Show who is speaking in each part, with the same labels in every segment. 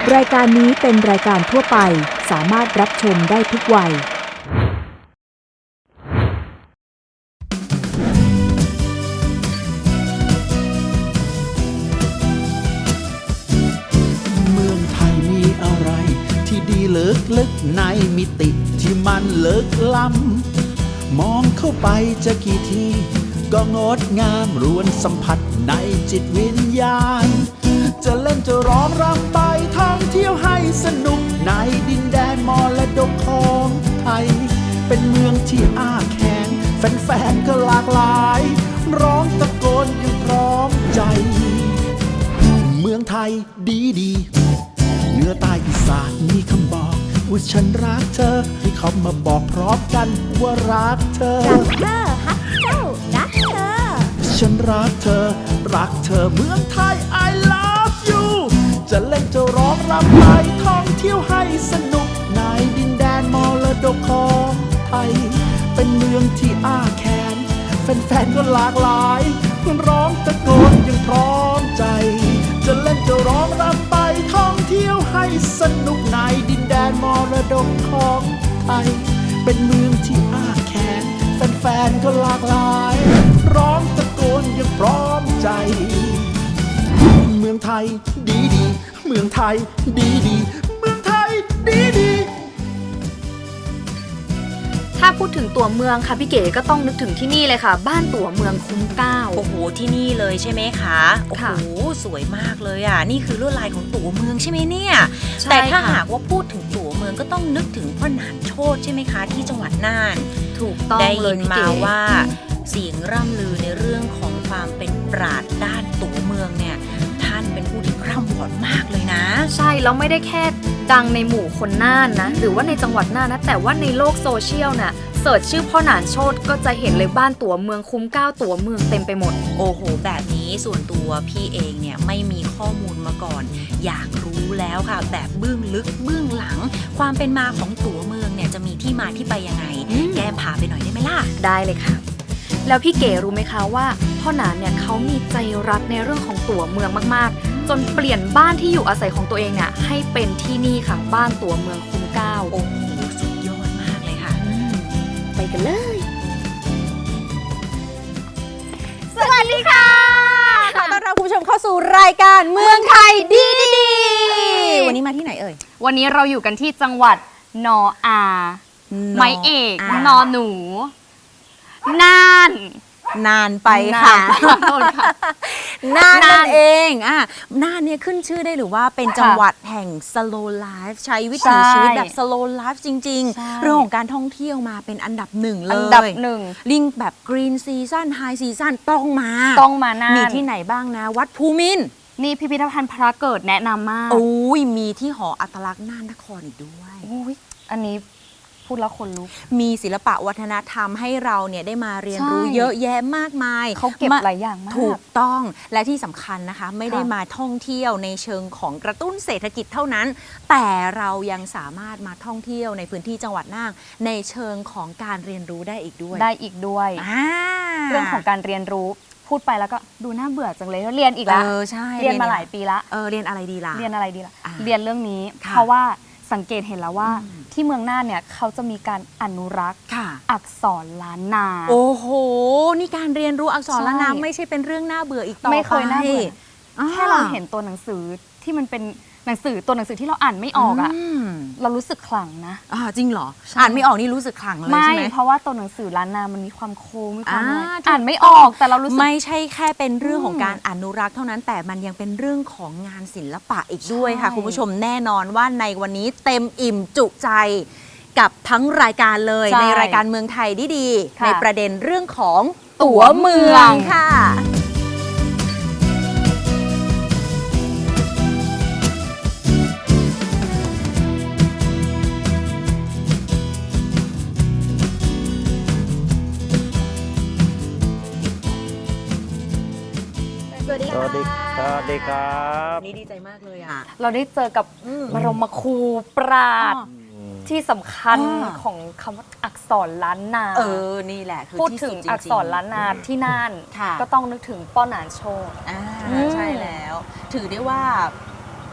Speaker 1: รายการนี้เป็นรายการทั่วไปสามารถรับชมได้ทุกวัย
Speaker 2: เมืองไทยมีอะไรที่ดีลึกๆในมิติที่มันลึกล้ำมองเข้าไปจะกี่ทีก็งดงามรวนสัมผัสในจิตวิญญาณจะเล่นจะร้องรำไปท่องเที่ยวให้สนุกในดินแดนมรดกของไทยเป็นเมืองที่อ้าแขนแฟนๆก็หลากหลายร้องตะโกนอย่างพร้อมใจเมืองไทยดีดีเหนือใต้อีสานมีคำบอกว่าฉันรักเธอให้เขามาบอกพร้อมกันว่ารักเธอ
Speaker 3: รักเธอฮักเจ้ารักเธอ
Speaker 2: ฉันรักเธอรักเธอเมืองไทย I love you จะเล่นจะร้องรำไปท่องเที่ยวให้สนุกในดินแดนมรดกของไทยเป็นเมืองที่อ้าแขนแฟนๆก็หลากหลายร้องตะโกนอย่างพร้อมใจจะเล่นจะร้องรำไปท่องเที่ยวให้สนุกในดินแดนมรดกของไทยเป็นเมืองที่อ้าแขนแฟนๆก็หลากหลายร้องตะโกนอย่างพร้อมใจเมืองไทยดีดีเมืองไทยดีดีเมืองไทยดีดี
Speaker 4: ถ้าพูดถึงตั๋วเมืองค่ะพี่เก๋ก็ต้องนึกถึงที่นี่เลยค่ะบ้านตั๋วเมืองคุ้มเกล้า
Speaker 3: โอ้โหที่นี่เลยใช่ไหมคะโอ้โหสวยมากเลยอ่ะนี่คือลวดลายของตั๋วเมืองใช่ไหมเนี่ยแต่ถ้าหากว่าพูดถึงตั๋วเมืองก็ต้องนึกถึงพ่อหนานโชติใช่ไหมคะที่จังหวัดน่าน
Speaker 4: ถูกต้อง
Speaker 3: ได้
Speaker 4: ยิ
Speaker 3: นมาว่าเสียงร่ำลือในเรื่องของความเป็นปราชญ์ด้านตั๋วเมืองเนี่ยท่านเป็นผู้ที่ร่ำวอดมากเลยนะ
Speaker 4: ใช่แล้วไม่ได้แค่ดังในหมู่คนน่านนะหรือว่าในจังหวัดน่านนะแต่ว่าในโลกโซเชียลน่ะเสิร์ชชื่อพ่อหนานโชติก็จะเห็นเลยบ้านตั๋วเมืองคุ้มเกล้าตั๋วเมืองเต็มไปหมด
Speaker 3: โอ้โหแบบนี้ส่วนตัวพี่เองเนี่ยไม่มีข้อมูลมาก่อนอยากรู้แล้วค่ะแบบเบื้องลึกเบื้องหลังความเป็นมาของตั๋วเมืองเนี่ยจะมีที่มาที่ไปยังไงแก้มพาไปหน่อยได้ไหมล่ะ
Speaker 4: ได้เลยค่ะแล้วพี่เก๋รู้ไหมคะว่าพ่อหนานเนี่ยเขามีใจรักในเรื่องของตั๋วเมืองมากๆจนเปลี่ยนบ้านที่อยู่อาศัยของตัวเองเนี่ยให้เป็นที่นี่ค่ะบ้านตั๋วเมืองคุ้มเกล้า
Speaker 3: โอ้โหสุดยอดมากเลยค่ะ
Speaker 4: ไปกันเลยสวัสดีค่ะ
Speaker 3: ขอต้อนรับคุณผู้ชมเข้าสู่รายการเมืองไทยดีวันนี้มาที่ไหนเอ่ย
Speaker 4: วันนี้เราอยู่กันที่จังหวัดนออาไม้เอกนอหนูน่าน
Speaker 3: นานไปค่ะน่านนั่นเองน่านเนี่ยขึ้นชื่อได้หรือว่าเป็นจังหวัดแห่ง slow life ใช้วิถีชีวิตแบบ slow life จริงๆเรื่องของการท่องเที่ยวมาเป็นอันดับหนึ่งเลย
Speaker 4: อันดับหนึ่ง
Speaker 3: ลิงแบบ green season high season ต้องมา
Speaker 4: น่าน
Speaker 3: มีที่ไหนบ้างนะวัดภูมินทร์
Speaker 4: นี่พิพิธภัณฑ์พระเกิดแนะนำมาก
Speaker 3: โอ้ยมีที่หออัตลักษณ์น่านนครอีกด้วย
Speaker 4: โอ้ยอันนี้พูดแล้วคนลุก
Speaker 3: มีศิลปะวัฒนธรรมให้เราเนี่ยได้มาเรียนรู้เยอะแยะมากมาย
Speaker 4: เขาเก็บหลายอย่างมาก
Speaker 3: ถูกต้องและที่สำคัญนะคะไม่ได้มาท่องเที่ยวในเชิงของกระตุ้นเศรษฐกิจเท่านั้นแต่เรายังสามารถมาท่องเที่ยวในพื้นที่จังหวัดน่านในเชิงของการเรียนรู้ได้อีกด้วยเ
Speaker 4: รื่องของการเรียนรู้พูดไปแล้วก็ดูน่าเบื่อจังเลยเรียนอีกแล้ว
Speaker 3: ใช่
Speaker 4: เรียนมาหลายปีละ
Speaker 3: เรียนอะไรดีล่ะ
Speaker 4: เรียนเรื่องนี้เพราะว่าสังเกตเห็นแล้วว่าที่เมืองน่านเนี่ยเขาจะมีการอนุรักษ์อักษรล้านนา
Speaker 3: โอ้โหนี่การเรียนรู้อักษรล้านนาไม่ใช่เป็นเรื่องน่าเบื่ออีกต่อไป
Speaker 4: ไม่เคยน่าเบื่อแค่เราเห็นตัวหนังสือที่มันเป็นหนังสือตัวหนังสือที่เราอ่านไม่ออกเรารู้สึกขลังนะ
Speaker 3: จริงเหรออ่านไม่ออกนี่รู้สึกขลังเลยใช่ไหม
Speaker 4: เพราะว่าตัวหนังสือล้านนามันมีความโค้งมีความอ่านไม่ออกแต่เรารู้สึก
Speaker 3: ไม่ใช่แค่เป็นเรื่องของการอนุรักษ์เท่านั้นแต่มันยังเป็นเรื่องของงานศิลปะอีกด้วยค่ะคุณผู้ชมแน่นอนว่าในวันนี้เต็มอิ่มจุใจกับทั้งรายการเลยในรายการเมืองไทยดีๆในประเด็นเรื่องของตั๋วเมืองค่ะ
Speaker 5: สวัสดีครับ
Speaker 3: นี่ดีใจมากเลย
Speaker 4: เราได้เจอกับบรมครูปราชญ์ที่สำคัญของคำว่าอักษรล้านนา
Speaker 3: นี่แหละคือ
Speaker 4: พูดถึงอักษรล้านนาที่น่านก็ต้องนึกถึงป้อหนานโชติ
Speaker 3: ใช่แล้วถือได้ว่า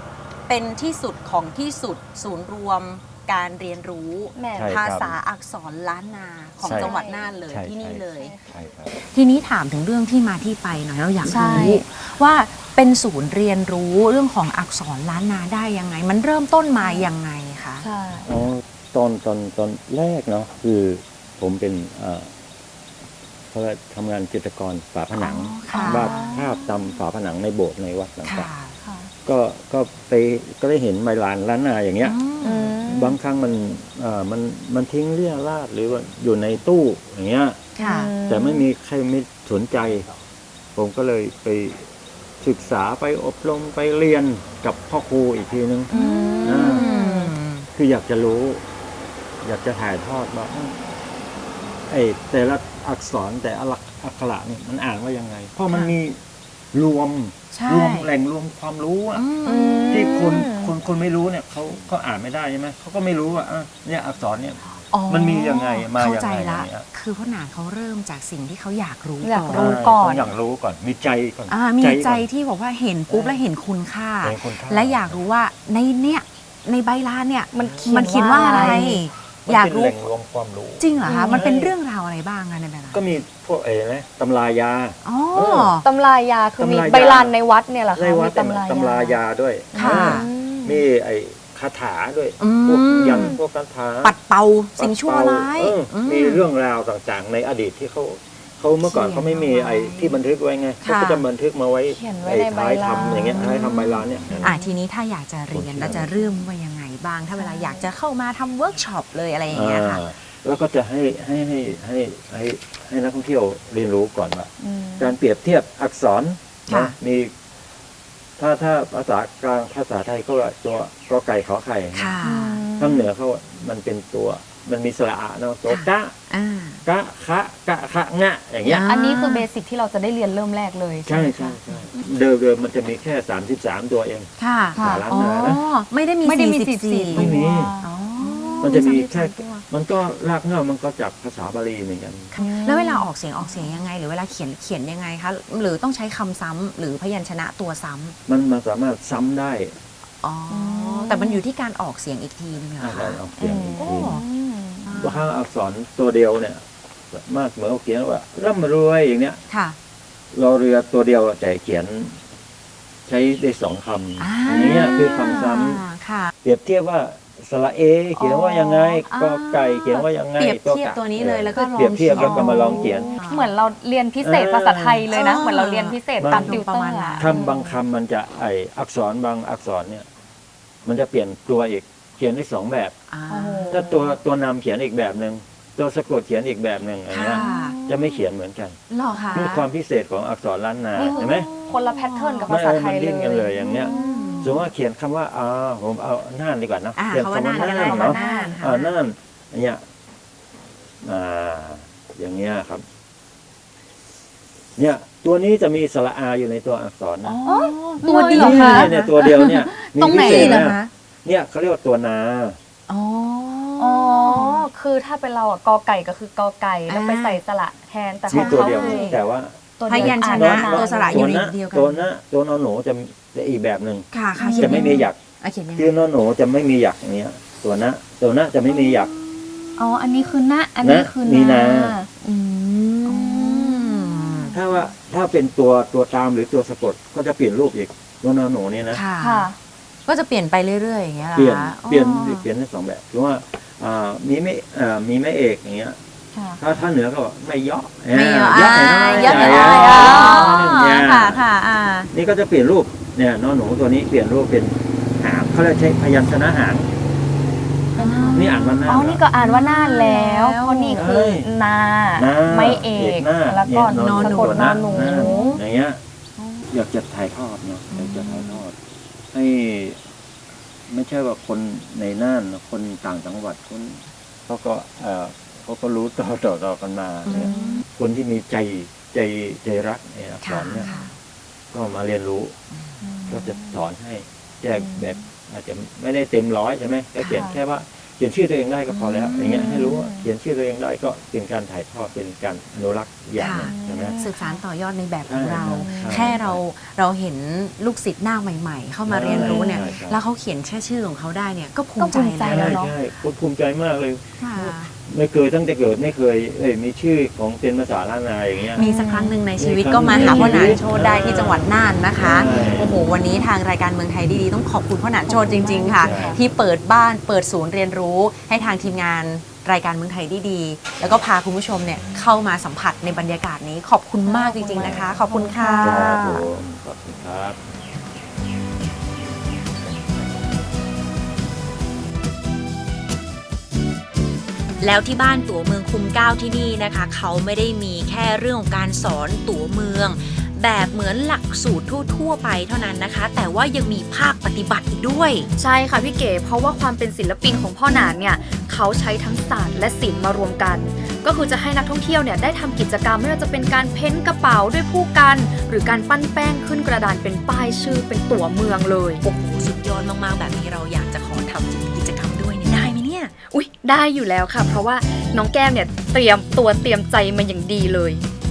Speaker 3: เป็นที่สุดของที่สุดศูนย์รวมการเรียนรู้
Speaker 4: แม่
Speaker 5: ใช่
Speaker 3: ภาษาอักษรล้านนาของ
Speaker 5: ใช่
Speaker 3: จังหวัดน่านเลย
Speaker 5: ใช่
Speaker 3: ที่นี่เลย
Speaker 5: ใช่ครับ
Speaker 3: ทีนี้ถามถึงเรื่องที่มาที่ไปหน่อยเราอยาก
Speaker 4: ใช่
Speaker 3: รู้ว่าเป็นศูนย์เรียนรู้เรื่องของอักษรล้านนาได้ยังไง มันเริ่มต้นมายังไงคะ
Speaker 4: ใช่
Speaker 5: อ๋อตอนแรกเนาะคือผมเป็นเขาเรียกทำงานจิตรกรฝาผนัง
Speaker 3: อ๋อค่ะ
Speaker 5: วาดภาพตามฝาผนังในโบสถ์ในวัดต่า
Speaker 3: ค่ะ
Speaker 5: ง
Speaker 4: ค่ะ
Speaker 5: ๆก็ได้เห็นใบลานล้านนาอย่างเงี้ย
Speaker 3: อืม
Speaker 5: บางครั้งมันทิ้งเรี่ยราดหรือว่าอยู่ในตู้อย่างเงี้ย
Speaker 3: ค่ะ
Speaker 5: แต่ไม่มีใครไม่สนใจ ผมก็เลยไปศึกษาไปอบรมไปเรียนกับพ่อครูอีกทีนึง อ่า คืออยากจะรู้ อยากจะถ่ายทอดว่าไอ้แต่ละอักษรแต่ละอักขระเนี่ยมันอ่านว่ายังไง เพราะมันมีรวม
Speaker 3: ใช่
Speaker 5: แหล่งรวมความรู้อะ
Speaker 3: อืม
Speaker 5: ที่คนไม่รู้เนี่ยเขาอ่านไม่ได้ใช่ไหมเขาก็ไม่รู้ว่าเนี่ยอักษรเนี่ย
Speaker 3: อ๋อ
Speaker 5: มันมียังไงมา
Speaker 3: เข้า
Speaker 5: ยัง
Speaker 3: ใจ
Speaker 5: ไง
Speaker 3: ละ
Speaker 5: อย่างเงี้ย
Speaker 3: คือพ่อหนานเขาเริ่มจากสิ่งที่เขาอยากรู้
Speaker 4: อยาก
Speaker 3: ก่อน
Speaker 4: รู้ก่อน
Speaker 5: ต้องอยากรู้ก่อนมีใจก่อน
Speaker 3: มีใจ
Speaker 5: ก่อน
Speaker 3: ที่บอกว่าเห็นปุ๊บแล้วเห็นคุณค่า
Speaker 5: เห็นคุณค่า
Speaker 3: และอยากรู้ว่าในใบลานเนี่ย
Speaker 4: มัน
Speaker 3: มันเขียนว่าอะไร
Speaker 5: มัน
Speaker 3: อยาก
Speaker 5: เป็น
Speaker 3: รู้
Speaker 5: แหล่งรวมความรู้
Speaker 3: จริงเหรอคะมันเป็นเรื่องราวอะไรบ้างคะในใบลาน
Speaker 5: ก็มีพวกนะตำรายา
Speaker 3: อ๋อ
Speaker 5: เออ
Speaker 4: ตำรายาคือมี
Speaker 5: ตำรายา
Speaker 4: ใบลานในวัดเนี่ยเหรอคะ
Speaker 5: ในวัด
Speaker 4: มี
Speaker 5: ตำรายาด้วย
Speaker 3: ค่ะ
Speaker 5: มีไอ้คาถาด้วย
Speaker 3: อืม
Speaker 5: พวกยันต์พวกคาถา
Speaker 3: ปัดเป่าสิ่งชั่วร้าย
Speaker 5: มีเรื่องราวต่างๆ ในอดีตที่เขาเมื่อก่อนเขาไม่มีไอ้ที่บันทึกไว้ไงเขาก็จะบันทึกมาไว้
Speaker 4: เขียนไว้
Speaker 5: ไอ้
Speaker 4: ในใบ
Speaker 5: ท้าย
Speaker 4: ลาน
Speaker 5: ทำอย่างเงี้ยท้ายทำใบลานเนี่ย
Speaker 3: ทีนี้ถ้าอยากจะเรียนแล้วจะเริ่มว่ายังไงบ้าง ถ้าเวลาอยากจะเข้ามาทำเวิร์กช็อปเลยอะไรอย่างเงี้ยค่ะ
Speaker 5: แล้วก็จะให้นักท่องเที่ยวเรียนรู้ก่อนว่าการเปรียบเทียบอักษร
Speaker 3: ค่ะ
Speaker 5: นะมีถ้าภาษากลางภาษาไทยก็ตัวกอไก่ขอไข่
Speaker 3: ค่ะ
Speaker 5: ทางเหนือเขามันเป็นตัวมันมีสระอะเนาะตัวกะ
Speaker 3: อ่า
Speaker 5: กะคะงะอย่างเงี้ย
Speaker 4: อันนี้คือเบสิกที่เราจะได้เรียนเริ่มแรกเลย
Speaker 5: ใช่
Speaker 4: ไหม
Speaker 5: ใช่
Speaker 4: คะ
Speaker 5: ใช่เดิมมันจะมีแค่33ตัวเอง
Speaker 3: ค่ะ
Speaker 4: ค่ะ
Speaker 5: ล้าน
Speaker 3: อ๋อ
Speaker 5: นานะ
Speaker 3: ไม่ได้มี
Speaker 4: ไม่ได้มี
Speaker 3: 44
Speaker 5: ไม่มี
Speaker 3: อ๋อ
Speaker 5: มันจะมีแค่
Speaker 3: 34ตัว
Speaker 5: มันก็รากเหง้ามันก็จากภาษาบาลีเหมือนกัน
Speaker 3: แล้วเวลาออกเสียงยังไง หรือเวลาเขียนยังไงคะหรือต้องใช้คำซ้ำหรือพยัญชนะตัวซ้ำ
Speaker 5: มันสามารถซ้ำได้
Speaker 3: อ๋อแต่มันอยู่ที่การออกเสียงอีกทีนึงเหรอ
Speaker 5: การ
Speaker 3: คะ
Speaker 5: ออกเสียงอีก
Speaker 3: โอ้
Speaker 5: ทีบางครั้งอักษรตัวเดียวเนี่ยมากเหมือนเขียนว่าร่ำรวยอย่างเนี้ย
Speaker 3: ค่ะ
Speaker 5: รอเรือตัวเดียวแต่เขียนใช้ได้2 คำอย่างเงี้ยคือคำซ้ำ
Speaker 3: ค่ะ
Speaker 5: เปรียบเทียบว่าสระเอเขียนว่ายังไงกอไก่เขียนว่ายังไง
Speaker 3: เปรียบ
Speaker 5: ตัว
Speaker 3: เทียบ
Speaker 5: กะ
Speaker 3: ตัวนี้เลยแล้วก็ลอง
Speaker 5: เปรียบเทียบแล้วก็มาลองเขียน
Speaker 4: เหมือนเราเรียนพิเศษภาษาไทยเลยนะ เหมือนเราเรียนพิเศษตาม
Speaker 5: บาง
Speaker 4: ติวเตอร์อะ
Speaker 5: คำบางคำมันจะอักษรบางอักษรเนี่ย มันจะเปลี่ยนตัวอีกเขียนได้2 แบบ
Speaker 3: อ่า
Speaker 4: โอ้โห
Speaker 5: ถ้าตัวนำเขียนอีกแบบหนึ่งตัวสะกดเขียนอีกแบบหนึ่งอย่าง
Speaker 3: ค่ะ
Speaker 5: เงี้ยจะไม่เขียนเหมือนกัน
Speaker 3: หรอคะ
Speaker 5: นี่ความพิเศษของอักษรล้านนา
Speaker 4: นี่
Speaker 5: เห็นไหม
Speaker 4: คนละแพทเทิร์นกับภาษาไทย
Speaker 5: มัน
Speaker 4: เล
Speaker 5: ดิ้นกันเลย
Speaker 4: ย
Speaker 5: อย่างเนี้ย สมมติว่าเขียนคำว่าผมเอาน่านดีกว่านะ
Speaker 3: อ่า
Speaker 5: เขียน
Speaker 3: คำว่า
Speaker 5: คำว่า
Speaker 3: น่านก็ได้
Speaker 5: น่าน
Speaker 3: คำว่า
Speaker 5: เนาะ
Speaker 3: น่านค่ะ
Speaker 5: น่านอย่างเงี้ยอย่างเงี้ยครับ เนี่ย ตัวนี้จะมีสระอาอยู่ในตัวอักษรนะ
Speaker 3: ตัวเดียว
Speaker 5: นี่
Speaker 3: เหรอคะ
Speaker 5: เนี่ยตัวเดียวเนี่ยมี
Speaker 3: ตรงไหน
Speaker 5: พิเศษ
Speaker 3: เหรอ
Speaker 5: นะคะ เนี่ยเขาเรียกว่าตัวนา
Speaker 3: อ๋อ
Speaker 4: อ๋อ คือถ้าเป็นเราอะกอไก่ก็คือกอไก่ แล้วไปใส่สระแทน แต่ข
Speaker 5: มี
Speaker 4: อง
Speaker 5: ตัว
Speaker 4: เขา
Speaker 5: เดียว
Speaker 4: คือ
Speaker 5: แต่ว่า
Speaker 4: ตัว
Speaker 3: พ
Speaker 4: เดียว
Speaker 3: ยัญช
Speaker 4: อ่า
Speaker 3: นะ
Speaker 4: ว่า
Speaker 3: ตัวสระอยู่ในเดียวกัน
Speaker 5: ตัวนอหนูจะอีกแบบหนึ่ง
Speaker 3: ค่ะค่ะ
Speaker 5: จะไม่มีหยัก
Speaker 3: เขียนยังไง
Speaker 5: คือนอหนูจะไม่มีหยักอย่างเงี้ย ตัวนะจะไม่มีหยัก
Speaker 4: อ๋อ อันนี้คือหน้า อันนี้คือ
Speaker 5: มีนา
Speaker 3: อืม
Speaker 5: ถ้าเป็นตัวตามหรือตัวสะกดก็จะเปลี่ยนรูปอีกตัวนอหนูเนี่ยนะ
Speaker 3: ค่ะ
Speaker 4: ค่ะ
Speaker 3: ก็จะเปลี่ยนไปเรื่อยๆอย่างเงี้ยเหรอ
Speaker 5: เปลี่ยน
Speaker 3: คะ
Speaker 5: เปลี่ยน
Speaker 3: อ๋อ
Speaker 5: เปลี่ยนได้2 แบบหรือว่ามีไม่เอกอย่างเงี้ย
Speaker 4: ค่ะ
Speaker 5: ถ้าเหนือก็บอกไม่เยาะ
Speaker 3: ไม่เยอะ
Speaker 5: เยาะหน่อย
Speaker 3: เยอะ
Speaker 5: ใหญ่
Speaker 3: เลย
Speaker 5: อ๋
Speaker 3: อ๋อ
Speaker 5: เนี่ย
Speaker 3: ค่ะค่ะ
Speaker 5: นี่ก็จะเปลี่ยนรูปเนี่ยนอหนูตัวนี้เปลี่ยนรูปเป็นหางเขาเรียกใช้พยัญชนะหางนี่อ่านว่าหน้า
Speaker 4: อ๋อ นี่ก็อ่านว่าน่านแล้ว
Speaker 3: แล้ว
Speaker 4: เพราะนี่คือนา
Speaker 5: หน้า
Speaker 4: ไม่เอก
Speaker 5: หน้า
Speaker 4: แล้วก็
Speaker 5: เย
Speaker 4: นอนสะกด
Speaker 5: ตัวน
Speaker 4: อนหนู
Speaker 5: อย่างเงี้ยอยากจะถ่ายทอดเนาะอยากจะถ่ายทอด ให้ไม่ใช่ว่าคนในน่านนะคนต่างจังหวัดเขาก็รู้ต่อกันมาเนี่ยคนที่มีใจรักในอักษ
Speaker 3: ค่ะ
Speaker 5: รเนี่ย
Speaker 3: ค่ะ
Speaker 5: ก็มาเรียนรู้ ก็จะสอนให้แยกแบบอาจจะไม่ได้เต็ม100ใช่ไหมก็เขียนแค่ว่าเขียนชื่อตัวเองได้ก็พอแล้วอย่างเงี้ยให้รู้ว่าเขียนชื่อตัวเองได้ก็เป็นการถ่ายทอดเป็นการอนุรักษ์อย่างหนึ่งใช่ไหม
Speaker 3: สืบสานต่อยอดในแบบของเรา
Speaker 5: ใช่
Speaker 3: แค่เราเห็นลูกศิษย์หน้าใหม่ ๆ เข้ามาเรียนรู้เนี่ย
Speaker 5: ใช่ใช่
Speaker 3: แล้วเขาเขียนแค่ชื่อของเขาได้เนี่ยก็ภูมิใจ
Speaker 4: ก็ภูมิใจ
Speaker 3: แล้ว
Speaker 4: แล้
Speaker 3: เนาะ
Speaker 5: ใช่ภูมิใจมากเลย
Speaker 3: ค่ะ
Speaker 5: ไม่เคยตั้งแต่เกิดไม่เคยมีชื่อของเป็นภาษาล้านนาอย่างเงี้ย
Speaker 3: มีสักครั้งหนึ่งในชีวิต
Speaker 5: มีครั้ง
Speaker 3: ก็มาหาพ่อหนาน
Speaker 5: ในชีวิต
Speaker 3: โชติได้ที่จังหวัดน่านนะคะ
Speaker 5: ใช่
Speaker 3: โอ้โหวันนี้ทางรายการเมืองไทยดีๆต้องขอบคุณพ่อหนานโชติจริง ๆ ค่ะ
Speaker 5: ใช่
Speaker 3: ที่เปิดบ้านเปิดศูนย์เรียนรู้ให้ทางทีมงานรายการเมืองไทยดีๆแล้วก็พาคุณผู้ชมเนี่ยเข้ามาสัมผัสในบรรยากาศนี้ขอบคุณมากจริง ๆนะคะ ขอบคุณค่ะ
Speaker 5: ครับผมขอบคุณครับ
Speaker 3: แล้วที่บ้านตั๋วเมืองคุ้มเกล้าที่นี่นะคะเขาไม่ได้มีแค่เรื่องของการสอนตั๋วเมือง แบบเหมือนหลักสูตรทั่วๆไปเท่านั้นนะคะ แต่ว่ายังมีภาคปฏิบัติอีกด้วย
Speaker 4: ใช่ค่ะพี่เก๋เพราะว่าความเป็นศิลปินของพ่อหนานเนี่ยเขาใช้ทั้งศาสตร์และศิลป์มารวมกัน ก็คือจะให้นักท่องเที่ยวเนี่ยได้ทำกิจกรรมไม่ว่าจะเป็นการเพ้นท์กระเป๋าด้วยผู้กัน หรือการปั้นแป้งขึ้นกระดานเป็นป้ายชื่อเป็นตั๋วเมืองเลย
Speaker 3: โอ้โหสุดยอดมากๆแบบนี้เราอยากจะขอทำกิจกรรมด้วยเนี่ยได้ไหมเนี่ย
Speaker 4: อุ๊ยได้อยู่แล้วค่ะ เพราะว่าน้องแก้มเนี่ยเตรียมใจมาอย่างดีเลย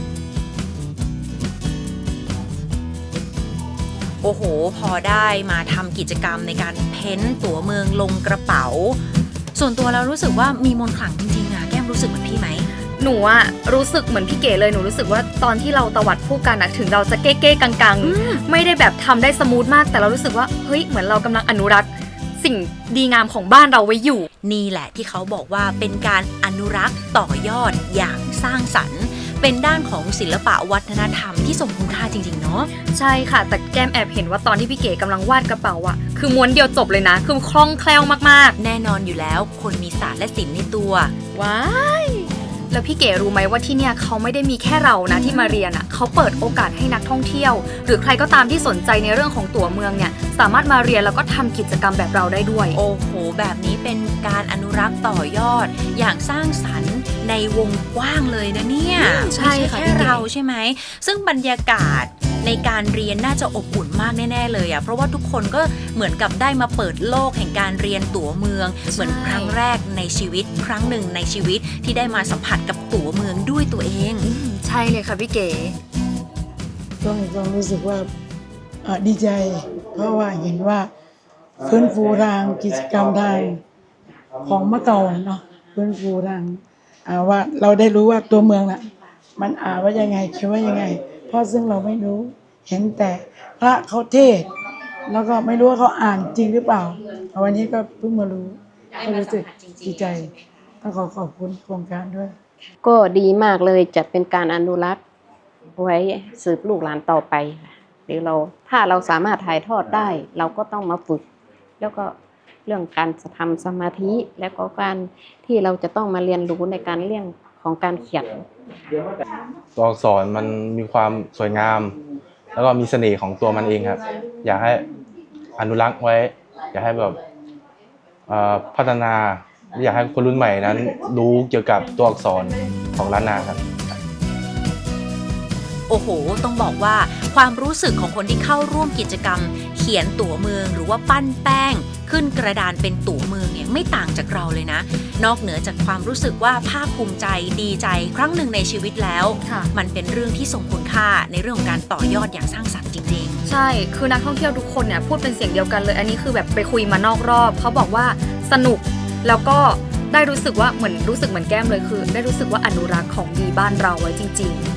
Speaker 3: โอ้โห พอได้มาทำกิจกรรมในการเพ้นท์ตั๋วเมืองลงกระเป๋า ส่วนตัวเรารู้สึกว่ามีมนต์ขลังจริงๆอะแก้มรู้สึกเหมือนพี่ไหม
Speaker 4: หนูอะรู้สึกเหมือนพี่เก๋เลยหนูรู้สึกว่าตอนที่เราตวัดผู้กันอะถึงเราจะเก้ๆกังๆไม่ได้แบบทำได้สมูทมากแต่เรารู้สึกว่าเฮ้ยเหมือนเรากำลังอนุรักษ์สิ่งดีงามของบ้านเราไว้อยู่
Speaker 3: นี่แหละที่เขาบอกว่าเป็นการอนุรักษ์ต่อยอดอย่างสร้างสรรค์ เป็นด้านของศิลปะวัฒนธรรมที่ทรงคุณค่าจริงๆเนาะ
Speaker 4: ใช่ค่ะ แต่แก้มแอบเห็นว่าตอนที่พี่เก๋กำลังวาดกระเป๋าอะคือม้วนเดียวจบเลยนะ คือคล่องแคล่วมาก
Speaker 3: แน่นอนอยู่แล้วคนมีศาสตร์และศิลป์ในตัว
Speaker 4: ๆว้ายแล้วพี่เก๋รู้ไหมว่าที่เนี่ยเขาไม่ได้มีแค่เรานะที่มาเรียนอะเขาเปิดโอกาสให้นักท่องเที่ยว หรือใครก็ตามที่สนใจในเรื่องของตั๋วเมืองเนี่ยสามารถมาเรียนแล้วก็ทำกิจกรรมแบบเราได้ด้วย
Speaker 3: โอ้โห แบบนี้เป็นการอนุรักษ์ต่อยอด อย่างสร้างสรรค์ในวงกว้างเลยนะเนี่ย
Speaker 4: ใช่
Speaker 3: ไม่
Speaker 4: ค่ะ
Speaker 3: แค่
Speaker 4: พี่เก๋
Speaker 3: เราใช่ไหม ซึ่งบรรยากาศในการเรียนน่าจะอบอุ่นมากแน่ๆเลยอ่ะ เพราะว่าทุกคนก็เหมือนกับได้มาเปิดโลกแห่งการเรียนตั๋วเมือง เหมือนครั้งแรกในชีวิต ครั้งหนึ่งในชีวิตที่ได้มาสัมผัสกับตั๋วเมืองด้วยตัวเอง
Speaker 4: ใช่เลยค่ะพี่เก๋
Speaker 6: ก็มีความรู้สึกว่าดีใจ เพราะว่าเห็นว่าฟื้นฟูทางกิจกรรมทางของเมื่อก่อนเนาะฟื้นฟูทางว่าเราได้รู้ว่าตัวเมืองน่ะมันว่ายังไงคิดว่ายังไง เพราะซึ่งเราไม่รู้เห็นแต่พระเขาเทศน์แล้วก็ไม่รู้ว่าเขาอ่านจริงหรือเปล่าวันนี้ก็เพิ่งมารู้ก็รู้สึกดีใจต้องขอบคุณโครงการด้วย
Speaker 7: ก็ดีมากเลยจะเป็นการอนุรักษ์ไว้สืบลูกหลานต่อไปค่ะหรือเราถ้าเราสามารถถ่ายทอดได้ เราก็ต้องมาฝึก แล้วก็เรื่องการทำสมาธิแล้วก็การที่เราจะต้องมาเรียนรู้ในการเรื่องของการเขียน
Speaker 8: ตัวอักษรมันมีความสวยงาม แล้วก็มีเสน่ห์ของตัวมันเองครับ อยากให้อนุรักษ์ไว้ อยากให้แบบพัฒนาอยากให้คนรุ่นใหม่นั้นรู้เกี่ยวกับตัวอักษรของล้านนาครับ
Speaker 3: โอ้โห ต้องบอกว่าความรู้สึกของคนที่เข้าร่วมกิจกรรม เขียนตั๋วเมืองหรือว่าปั้นแป้ง ขึ้นกระดานเป็นตั๋วเมืองเนี่ยไม่ต่างจากเราเลยนะ นอกเหนือจากความรู้สึกว่าภาคภูมิใจดีใจครั้งหนึ่งในชีวิตแล้ว
Speaker 4: ค่ะ
Speaker 3: มันเป็นเรื่องที่ทรงคุณค่าในเรื่องของการต่อยอดอย่างสร้างสรรค์จริง
Speaker 4: ใช่ คือนักท่องเที่ยวทุกคนเนี่ยพูดเป็นเสียงเดียวกันเลย อันนี้คือแบบไปคุยมานอกรอบ เขาบอกว่าสนุก แล้วก็ได้รู้สึกว่าเหมือนรู้สึกเหมือนแก้มเลยคือ ได้รู้สึกว่าอนุรักษ์ของดีบ้านเราไว้จริง ๆ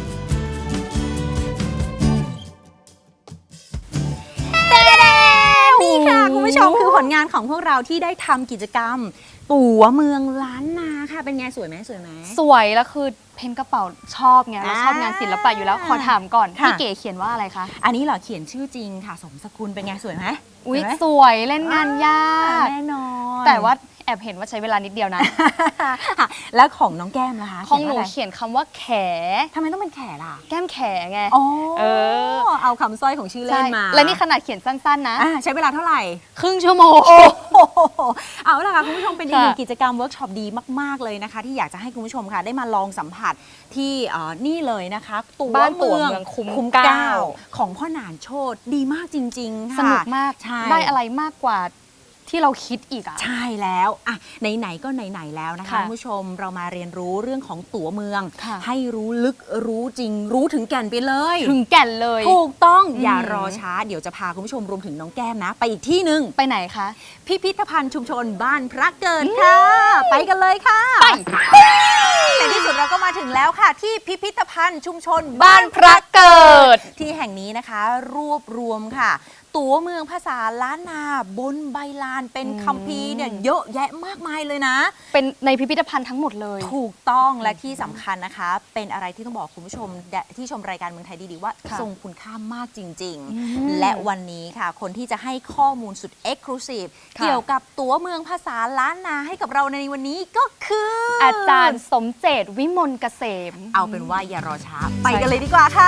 Speaker 3: นี่ค่ะคุณผู้ชมคือผลงานของพวกเราที่ได้ทำกิจกรรม ตั๋วเมืองล้านนาค่ะเป็นไงสวยไหมสวยไหม
Speaker 4: สวยแล้วคือเพ้นกระเป๋าชอบไงเราชอบงานศิลปะอยู่แล้วขอถามก่อน
Speaker 3: ค่ะ
Speaker 4: พี่เก๋เขียนว่าอะไรคะ
Speaker 3: อันนี้เหรอเขียนชื่อจริงค่ะสมสกุลเป็นไงสวยไหม
Speaker 4: อุ๊ย
Speaker 3: สวยไหม
Speaker 4: สวยเล่นงานยาก
Speaker 3: แน่นอน
Speaker 4: แต่ว่าแอบเห็นว่าใช้เวลานิดเดียวนะ
Speaker 3: แล้วของน้องแก้มล่ะคะ
Speaker 4: ของหนู
Speaker 3: เขียนว่าอะไร
Speaker 4: เขียนคำว่าแข
Speaker 3: ทำไมต้องเป็นแขล่ะ
Speaker 4: แก้มแขไง
Speaker 3: อ๋อ
Speaker 4: เออ
Speaker 3: เอาคำสร้อยของชื่อเล่
Speaker 4: ใช่
Speaker 3: นมา
Speaker 4: และนี่ขนาดเขียนสั้นๆนะ
Speaker 3: ใช้เวลาเท่าไหร่
Speaker 4: ครึ่งชั่วโมง
Speaker 3: โอ้โหเอาล่ะค่ะคุณผู้ชมเป็นอีกหนึ่ง
Speaker 4: ค่ะ
Speaker 3: กิจกรรมเวิร์กช็อปดีมากๆเลยนะคะ ที่อยากจะให้คุณผู้ชมค่ะ ได้มาลองสัมผัสที่นี่เลยนะคะตั๋ว
Speaker 4: บ้านตั๋ว
Speaker 3: เมื
Speaker 4: เมื
Speaker 3: อ
Speaker 4: อง งคุ้ม
Speaker 3: คุ้ม
Speaker 4: เกล้า
Speaker 3: เกล้าของพ่อหนานโชติดีมากจริงๆค่ะ
Speaker 4: สนุกมาก
Speaker 3: ใช่
Speaker 4: ได้อะไรมากกว่าที่เราคิดอีกอะ
Speaker 3: ใช่แล้วอ่ะไหนๆก็ไหนๆแล้วนะคะ
Speaker 4: ค่ะ
Speaker 3: คุณผู้ชมเรามาเรียนรู้เรื่องของตั๋วเมือง
Speaker 4: ค่ะ
Speaker 3: ให้รู้ลึกรู้จริง รู้ถึงแก่นไปเลย
Speaker 4: ถึงแก่นเลย
Speaker 3: ถูกต้อง
Speaker 4: อืม
Speaker 3: อย่ารอช้าเดี๋ยวจะพาคุณผู้ชมรวมถึงน้องแก้มนะ ไปอีกที่หนึ่ง
Speaker 4: ไปไหนคะ
Speaker 3: พิพิธภัณฑ์ชุมชนบ้านพระเกิดค่ะ ไปกันเลยค่ะ
Speaker 4: ไป
Speaker 3: ในที่สุดเราก็มาถึงแล้วค่ะ ที่พิพิธภัณฑ์ชุมชน
Speaker 4: บ้านพระเกิด
Speaker 3: ที่แห่งนี้นะคะ รวบรวมค่ะ ตั๋วเมืองภาษาล้านนาบนใบลานเป็นคัมภีร์เนี่ยเยอะแยะมากมายเลยนะ
Speaker 4: เป็นในพิพิธภัณฑ์ทั้งหมดเลย
Speaker 3: ถูกต้องและที่สำคัญนะคะ เป็นอะไรที่ต้องบอกคุณผู้ชมที่ชมรายการเมืองไทยดีๆว่า
Speaker 4: ค่ะ
Speaker 3: ทรงคุณค่ามากจริง ๆ และวันนี้ค่ะ คนที่จะให้ข้อมูลสุด Exclusive
Speaker 4: ค่ะ
Speaker 3: เกี่ยวกับตั๋วเมืองภาษาล้านนาให้กับเราในวันนี้ก็คือ
Speaker 4: อาจารย์สมเจตวิมลเกษม
Speaker 3: เอาเป็นว่าอย่ารอช้า ไปกันเลยดีกว่าค่ะ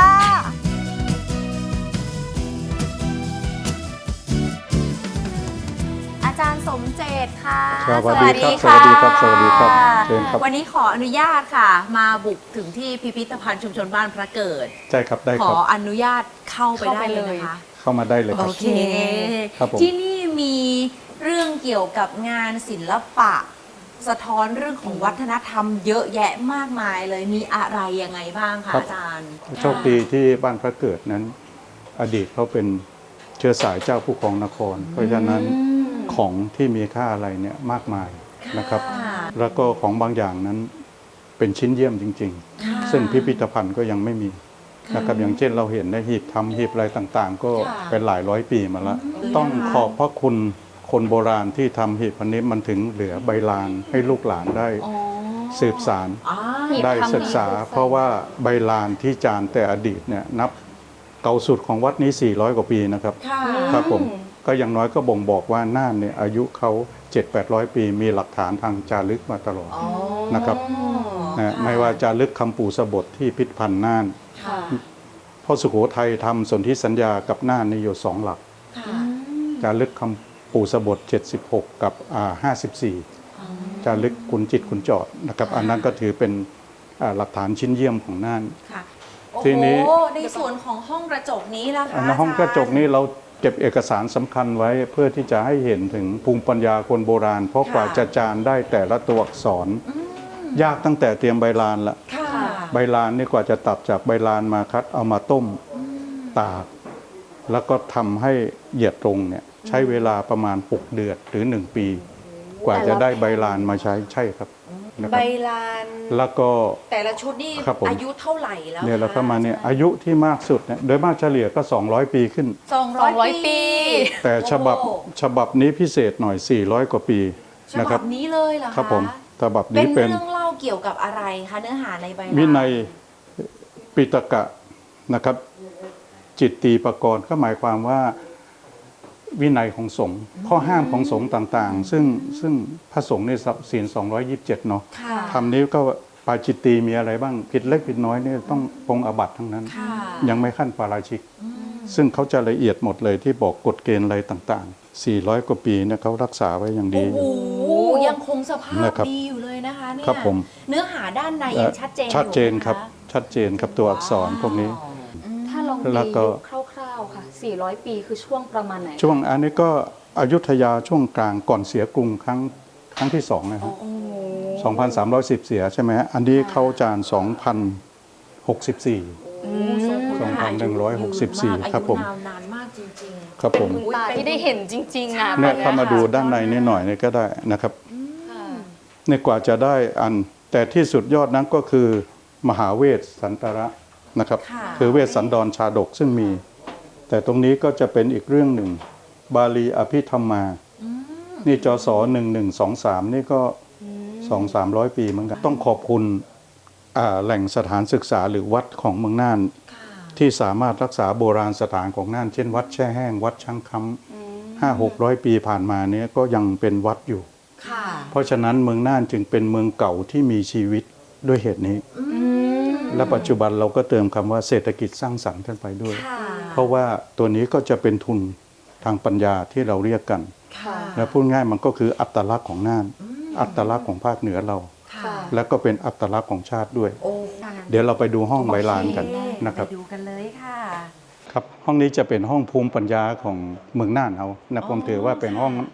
Speaker 3: อาจารย์สมเจตค่ะ
Speaker 9: ครับสวัสดีครับ สวัสดีครับ สวัสดีครับเชิญครับ
Speaker 3: วันนี้ขออนุญาตค่ะ มาบุกถึงที่พิพิธภัณฑ์ชุมชนบ้านพระเกิด
Speaker 9: ใช่ครับ ได้
Speaker 3: ข
Speaker 9: ค
Speaker 3: อ
Speaker 9: รับ
Speaker 3: อนุญาตเข้าไปได้เลยนะคะ
Speaker 9: เข้ามาได้เลยค
Speaker 3: โอ
Speaker 9: รับ
Speaker 3: เค
Speaker 9: ครับผม
Speaker 3: ที่นี่มีเรื่องเกี่ยวกับงานศิลปะ สะท้อนเรื่องของวัฒนธรรมเยอะแยะมากมายเลย มีอะไรยังไงบ้างคะอาจารย์
Speaker 9: โชคดีที่บ้านพระเกิดนั้น อดีตเขาเป็นเชื้อสายเจ้าผู้ครองนคร เพราะฉะนั้นของที่มีค่าอะไรเนี่ยมากมายนะครับ
Speaker 3: ค่ะ
Speaker 9: แล้วก็ของบางอย่างนั้นเป็นชิ้นเยี่ยมจริง ๆ ซึ่งพิพิธภัณฑ์ก็ยังไม่มีนะครับ อย่างเช่นเราเห็นในหีบทำหีบอะไรต่างๆ ก็เป็นหลายร้อยปีมาแล้ว ต้องขอบพระคุณคนโบราณที่ทำหีบพันนี้มันถึงเหลือใบลานให้ลูกหลานได้สืบสาร
Speaker 4: หีบ
Speaker 9: ได้
Speaker 4: ทำ
Speaker 9: ศึกษา เพราะว่าใบลานที่จานแต่อดีตเนี่ยนับเก่าสุดของวัดนี้ 400 กว่าปีนะครับครับผมก็อย่างน้อยก็บ่งบอกว่าน่านเนี่ยอายุเขา 7-800 ปีมีหลักฐานทางจารึกมาตลอดนะครับนะไม่ว่าจารึกคำปู่สบทที่พิพิธภัณฑ์น่านพ่อสุโขทัยทำสนธิสัญญากับน่านนี่อยู่2 หลักจารึกคำปู่สบท 76 กับ54จารึกขุนจิตขุนจอดนะครับอันนั้นก็ถือเป็นหลักฐานชิ้นเยี่ยมของน่าน ทีนี้
Speaker 3: โอ้โหในส่วนของห้องกระจกนี้ล่ะคะ
Speaker 9: ในห้องกระจกนี้เราเก็บเอกสารสำคัญไว้เพื่อที่จะให้เห็นถึงภูมิปัญญาคนโบราณ เพราะกว่าจะจานได้แต่ละตัวอักษร ยากตั้งแต่เตรียมใบลานละ
Speaker 3: ค่ะ
Speaker 9: ใบลานนี่กว่าจะตัดจากใบลานมาคัดเอามาต้มตากแล้วก็ทำให้เหยียดตรงเนี่ยใช้เวลาประมาณ6 เดือนหรือ 1 ปี กว่าจะได้ใบลานมาใช้ใช่ครับนะค
Speaker 3: ใบ
Speaker 9: รับ
Speaker 3: ลาน
Speaker 9: แล้วก็
Speaker 3: แต่ละชุดนี่
Speaker 9: ครับผม
Speaker 3: อายุเท่าไหร่แล้ว
Speaker 9: เนี่ยเราเข้ามาเนี่ยอายุที่มากสุดเนี่ยโดยมากเฉลี่ยก็200 ปีขึ้น
Speaker 3: 200 ปี
Speaker 9: แต่ฉบับนี้พิเศษหน่อย400 กว่าปี
Speaker 3: ฉ
Speaker 9: นะค
Speaker 3: บั
Speaker 9: รั
Speaker 3: บบ นี้เลยเหรอคะ
Speaker 9: ครับผมฉบับ
Speaker 3: เป็
Speaker 9: นี้
Speaker 3: น
Speaker 9: เป็น
Speaker 3: เรื่องเล่าเกี่ยวกับอะไรคะเนื้อหาในใบลาน
Speaker 9: วินัยปิฎกะนะครับ จิตตีปกรณ์ก็หมายความว่าวินัยของสงฆ์ข้อห้ามของสงฆ์ต่างๆ ซึ่งพระสงฆ์ในศีล227เนาะ
Speaker 3: ค่ะ
Speaker 9: คำนี้ก็ปาจิตตีมีอะไรบ้างผิดเล็กผิดน้อยเนี่ยต้องปรงอาบัติทั้งนั้น
Speaker 3: ค่ะ
Speaker 9: ยังไม่ขั้นปาราชิก ซึ่งเขาจะละเอียดหมดเลยที่บอกกฎเกณฑ์อะไรต่างๆ 400 กว่าปีเนี่ยเขารักษาไว้อย่างดี
Speaker 3: โอ้โหยังคงสภาพ
Speaker 9: นะครับ
Speaker 3: ดีอยู่เลยนะคะเนี่ย
Speaker 9: ครับผม
Speaker 3: เนื้อหาด้านในยังชัดเจนอยู่
Speaker 9: ชัดเจน
Speaker 3: ไหมะ
Speaker 9: ครับชัดเจนครับตัวอักษรพวกนี้
Speaker 4: ถ้าลอง
Speaker 9: แล้
Speaker 4: ตี
Speaker 9: วก็
Speaker 4: ยุคคร่าวๆค่ะ 400 ปีคือช่วงประมาณไหน
Speaker 9: ช่วงอันนี้ก็อยุธยาช่วงกลางก่อนเสียกรุงครั้งที่2นะครับ 2,310 เสียใช่ไหมฮะอันนี้เข้าจาน2,064 ครับผม
Speaker 3: อายุนานมากจริง
Speaker 9: ครับผม
Speaker 4: ตาที่ได้เห็นจริงๆอ่ะ
Speaker 9: เนี่ยเข้ามาดูด้านในนิดหน่อยนี่ก็ได้นะครับเนี่ยกว่าจะได้อันแต่ที่สุดยอดนั้นก็คือมหาเวสสันตระนะครับ คือเวสสันดรชาดกซึ่งมี แต่ตรงนี้ก็จะเป็นอีกเรื่องหนึ่ง บาลีอภิธรรมา นี่จศ1123 นี่ก็ 200-300 ปีเหมือนกัน ต้องขอบคุณแหล่งสถานศึกษาหรือวัดของเมืองน่าน ที่สามารถรักษาโบราณสถานของน่าน เช่นวัดแช่แห้ง วัดช่างคำ500-600 ปีผ่านมาเนี้ยก็ยังเป็นวัดอยู่
Speaker 3: ๆ ค่ะ
Speaker 9: เพราะฉะนั้นเมืองน่านจึงเป็นเมืองเก่าที่มีชีวิตด้วยเหตุนี้ และปัจจุบันเราก็เติมคำว่าเศรษฐกิจสร้างสรรค์ขึ้นไปด้วย
Speaker 3: ค่ะ
Speaker 9: เพราะว่าตัวนี้ก็จะเป็นทุนทางปัญญาที่เราเรียกกัน
Speaker 3: ค่ะ
Speaker 9: และพูดง่ายมันก็คืออัตลักษณ์ของน่าน อัตลักษณ์ของภาคเหนือเรา
Speaker 3: ค่ะ
Speaker 9: และก็เป็นอัตลักษณ์ของชาติด้วย
Speaker 3: โอ้
Speaker 9: เดี๋ยวเราไปดูห้องใบลานกันนะครับ
Speaker 3: ไปดูกันเลยค่ะ
Speaker 9: ครับห้องนี้จะเป็นห้องภูมิปัญญาของเมืองน่านเอานะผมถือว่าเป็นห้อง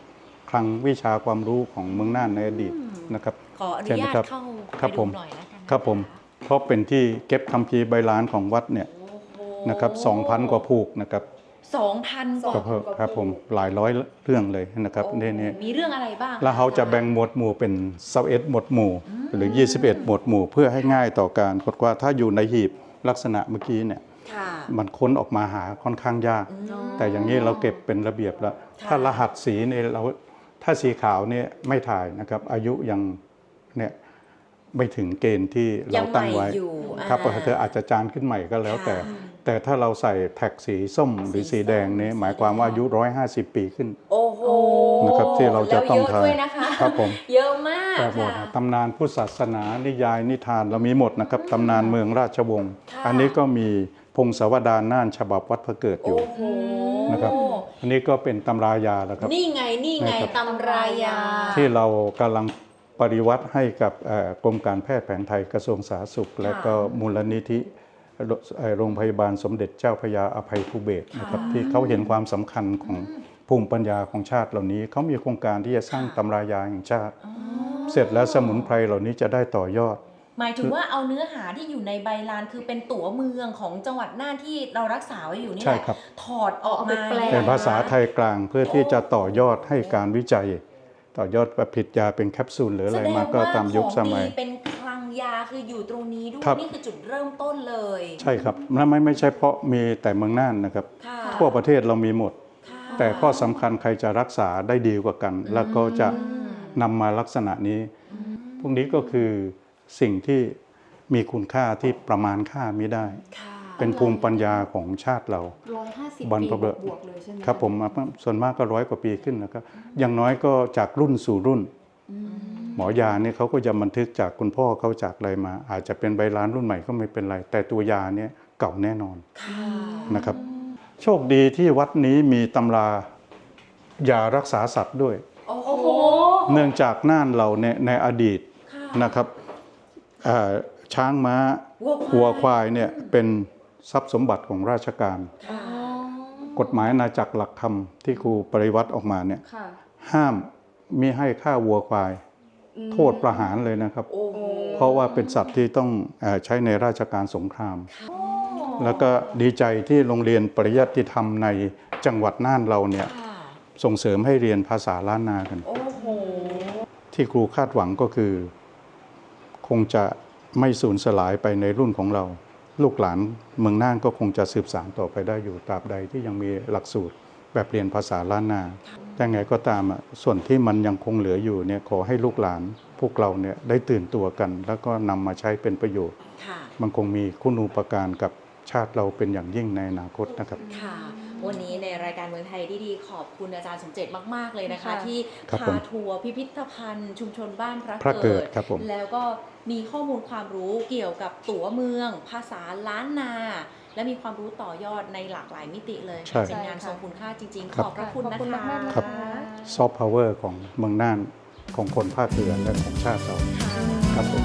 Speaker 9: คลังวิชาความรู้ของเมืองน่านในอดีตนะครับ
Speaker 3: ขออนุ
Speaker 9: ใช่ไหม
Speaker 3: ญาต
Speaker 9: ครับ
Speaker 3: เข้า
Speaker 9: ครั
Speaker 3: ไป
Speaker 9: บผ
Speaker 3: ดู
Speaker 9: ม
Speaker 3: หน่อยแล้วกันนะะ
Speaker 9: ครับผมเพราะเป็นที่เก็บคัมภีร์ใบลานของวัดเนี่ยนะครับ 2,000 กว่าผูกนะครับ
Speaker 3: 2,000 กว่า
Speaker 9: ครับผมหลายร้อยเรื่องเลยนะครับ
Speaker 3: โอ้
Speaker 9: นี่
Speaker 3: มีเรื่องอะไรบ้าง
Speaker 9: แล้วเขาจะแบ่งหมวดหมู่เป็น21หมวดหมู่หรือ 21 หมวดหมู่ เพื่อให้ง่ายต่อการกดว่าถ้าอยู่ในหีบลักษณะเมื่อกี้เนี่ย
Speaker 3: ค่ะ
Speaker 9: มันค้นออกมาหาค่อนข้างยาก แต่อย่างนี้เราเก็บเป็นระเบียบแล้ว ถ้ารหัสสีเนี่ยถ้าสีขาวเนี่ยไม่ถ่ายนะครับ อายุยังเนี่ยไม่ถึงเกณฑ์ที่เราตั้งไว้
Speaker 3: ยังใหม่อยู่
Speaker 9: ครับเธออาจจะจานขึ้นใหม่ก็แล้วแต่ แต่ถ้าเราใส่แท็กสีส้มหรือสีแดงเนี่ยหมายความว่าอายุ150 ปีขึ้น
Speaker 3: โอ้โห
Speaker 9: นะครับที่เราจะต้อง
Speaker 3: แล้วเยอะด้วยนะคะ
Speaker 9: ครับผม
Speaker 3: เยอะมาก
Speaker 9: ครับผม
Speaker 3: ค่ะ
Speaker 9: ตำนานพุทธศาสนานิยายนิทานเรามีหมดนะครับตำนานเมืองราชวงศ์
Speaker 3: ค่ะ
Speaker 9: อันนี้ก็มีพงศาวดารน่านฉบับวัดพระเกิดอยู่
Speaker 3: โอ้โห
Speaker 9: นะครับ อันนี้ก็เป็นตำรายาแล้วครับ
Speaker 3: นี่ไง
Speaker 9: นะครับ
Speaker 3: ตำรายา
Speaker 9: ที่เรากำลังปฏิวัติให้กับกรมการแพทย์แผนไทยกระทรวงสาธารณสุข และก็มูลนิธิโรงพยาบาลสมเด็จเจ้าพระยาอภัยภูเบศรนะครับที่เขาเห็นความสำคัญของภูมิปัญญาของชาติเหล่านี้เขามีโครงการที่จะสร้างตำรายาแห่งชาติ เสร็จแล้วสมุนไพรเหล่านี้จะได้ต่อยอด
Speaker 3: หมายถึงว่าเอาเนื้อหาที่อยู่ในใบลานคือเป็นตั๋วเมืองของจังหวัดน่านที่เรารักษาไว้อยู่นี่แห
Speaker 9: ใช่
Speaker 3: ละ
Speaker 9: ครับ
Speaker 3: ถอดออกมา
Speaker 4: เอาไปแปล
Speaker 9: เป็นภาษาไทยกลางเพื่อที่จะต่อยอดให้การวิจัย ต่อยอดผลิตยาเป็นแคปซูลหรืออะไรมาก็ตามยุคสมัย
Speaker 3: แสดงว่าของดีเป็นคลังยาคืออยู่ตรงนี้ด้วย
Speaker 9: ครับ
Speaker 3: นี่คือจุดเริ่มต้นเลย
Speaker 9: ใช่ครับและไม่ใช่เพราะมีแต่เมืองน่านนะครับ
Speaker 3: ค่ะ
Speaker 9: ทั่วประเทศเรามีหมด
Speaker 3: ค่ะ
Speaker 9: แต่ข้อสำคัญใครจะรักษาได้ดีกว่ากัน แล้วก็จะนำมาลักษณะนี้ พวกนี้ก็คือสิ่งที่มีคุณค่าที่ประมาณค่าไม่ได้
Speaker 3: ค่ะ
Speaker 9: เป็นภูมิปัญญาของชาติเรา
Speaker 4: 150
Speaker 9: บรร
Speaker 4: ปี
Speaker 9: พบุรุษ
Speaker 4: บวกๆเลยใช่ไหม
Speaker 9: ครับผมส่วนมากก็100 กว่าปีขึ้นนะครับอย่างน้อยก็จากรุ่นสู่รุ่น หมอยาเนี่ยเขาก็จะบันทึกจากคุณพ่อเขาจากอะไรมา อาจจะเป็นใบลานรุ่นใหม่ก็ไม่เป็นไร แต่ตัวยาเนี่ยเก่าแน่นอน
Speaker 3: ค่ะ
Speaker 9: นะครับ โชคดีที่วัดนี้มีตำรายารักษาสัตว์ด้วย
Speaker 3: โอ้โห
Speaker 9: เนื่องจากน่านเราเนี่ยในอดีตนะครับช้างม้าวัวควายเนี่ยเป็นทรัพย์สมบัติของราชการ
Speaker 3: ค่ะ
Speaker 9: กฎหมายอาณาจักรหลักธรรมที่ครูปริวัติออกมาเนี่ย
Speaker 4: ค่ะ
Speaker 9: ห้ามมิให้ฆ่าวัวควาย โทษประหารเลยนะครับ
Speaker 3: โอ้โห
Speaker 9: เพราะว่าเป็นสัตว์ที่ต้องใช้ในราชการสงคราม แล้วก็ดีใจที่โรงเรียนปริยัติธรรมในจังหวัดน่านเราเนี่ย
Speaker 3: ค่ะ
Speaker 9: ส่งเสริมให้เรียนภาษาล้านนากัน
Speaker 3: โอ้โห
Speaker 9: ที่ครูคาดหวังก็คือ คงจะไม่สูญสลายไปในรุ่นของเรา ลูกหลานเมืองน่านก็คงจะสืบสานต่อไปได้อยู่ตราบใดที่ยังมีหลักสูตรแบบเรียนภาษาล้านนา แต่ไงก็ตามส่วนที่มันยังคงเหลืออยู่เนี่ยขอให้ลูกหลานพวกเราเนี่ยได้ตื่นตัวกัน แล้วก็นำมาใช้เป็นประโยชน์
Speaker 3: ค่ะ
Speaker 9: มันคงมีคุณูปการกับชาติเราเป็นอย่างยิ่งในอนาคตนะครับ
Speaker 3: ค่ะ วันนี้ในรายการเมืองไทยดีๆขอบคุณอาจารย์สมเจตมากๆเลยนะคะ
Speaker 4: ค่ะ
Speaker 3: ที่
Speaker 9: ครับผ
Speaker 3: พาม ทัวร์พิพิธภัณฑ์ ชุมชนบ้านพ
Speaker 9: พระเกิดครับผม
Speaker 3: แล้วก็มีข้อมูลความรู้เกี่ยวกับตั๋วเมือง ภาษาล้านนา และมีความรู้ต่อยอดในหลากหลายมิติเลย
Speaker 9: ใช่
Speaker 3: เป็นงานทรงคุณค่าจริงๆ
Speaker 9: ค
Speaker 3: ข
Speaker 9: รับ
Speaker 3: อบพระคุณนะ
Speaker 4: ขอบคุณ
Speaker 3: คะ
Speaker 4: มากๆนะ
Speaker 9: ครับ
Speaker 4: คะ
Speaker 9: ซอฟต์พาวเวอร์ของเมืองน่านของคนภาคเหนือและของชาติเราครับผม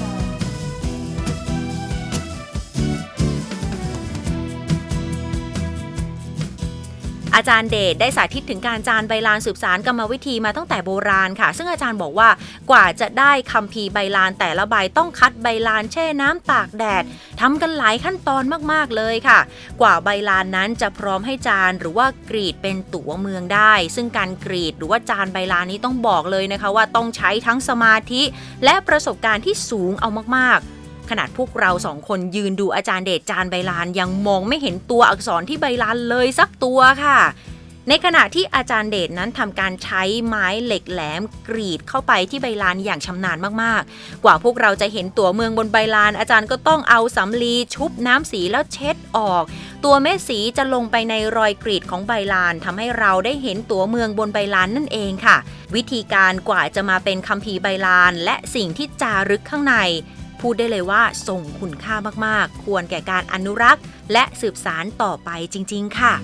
Speaker 3: อาจารย์เดชได้สาธิตถึงการจานใบลานสืบสารกรรมวิธีมาตั้งแต่โบราณค่ะ ซึ่งอาจารย์บอกว่ากว่าจะได้คัมภีร์ใบลานแต่ละใบต้องคัดใบลานแช่น้ำตากแดดทำกันหลายขั้นตอนมากๆเลยค่ะ กว่าใบลานนั้นจะพร้อมให้จานหรือว่ากรีดเป็นตั๋วเมืองได้ ซึ่งการกรีดหรือว่าจานใบลานนี้ต้องบอกเลยนะคะว่าต้องใช้ทั้งสมาธิและประสบการณ์ที่สูงเอามากๆ ขนาดพวกเราสองคนยืนดูอาจารย์เดชจานใบลานยังมองไม่เห็นตัวอักษรที่ใบลานเลยสักตัวค่ะ ในขณะที่อาจารย์เดชนั้นทำการใช้ไม้เหล็กแหลมกรีดเข้าไปที่ใบลานอย่างชำนาญมากๆกว่าพวกเราจะเห็นตัวเมืองบนใบลานอาจารย์ก็ต้องเอาสำลีชุบน้ำสีแล้วเช็ดออก ตัวเม็ดสีจะลงไปในรอยกรีดของใบลานทำให้เราได้เห็นตัวเมืองบนใบลานนั่นเองค่ะ วิธีการกว่าจะมาเป็นคัมภีร์ใบลานและสิ่งที่จารึกข้างในพูดได้เลยว่าทรงคุณค่ามากๆควรแก่การอนุรักษ์และสืบสานต่อไปจริงๆค่ะ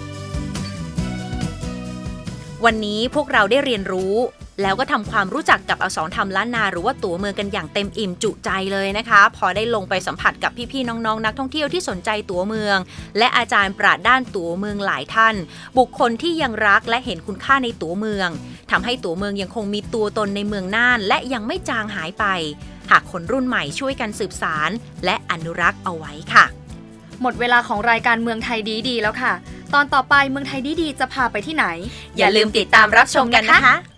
Speaker 3: วันนี้พวกเราได้เรียนรู้แล้วก็ทำความรู้จักกับอักษรธรรมล้านนาหรือว่าตั๋วเมืองกันอย่างเต็มอิ่มจุใจเลยนะคะพอได้ลงไปสัมผัสกับพี่ๆน้องๆนักท่องเที่ยวที่สนใจตั๋วเมืองและอาจารย์ปราชญ์ด้านตั๋วเมืองหลายท่านบุคคลที่ยังรักและเห็นคุณค่าในตั๋วเมืองทำให้ตัวเมืองยังคงมีตัวตนในเมืองน่านและยังไม่จางหายไปหากคนรุ่นใหม่ช่วยกันสืบสานและอนุรักษ์เอาไว้ค่ะ
Speaker 4: หมดเวลาของรายการเมืองไทยดีๆแล้วค่ะตอนต่อไปเมืองไทยดีๆจะพาไปที่ไหน
Speaker 3: อย่าลืมติดตามรับชมกันนะคะ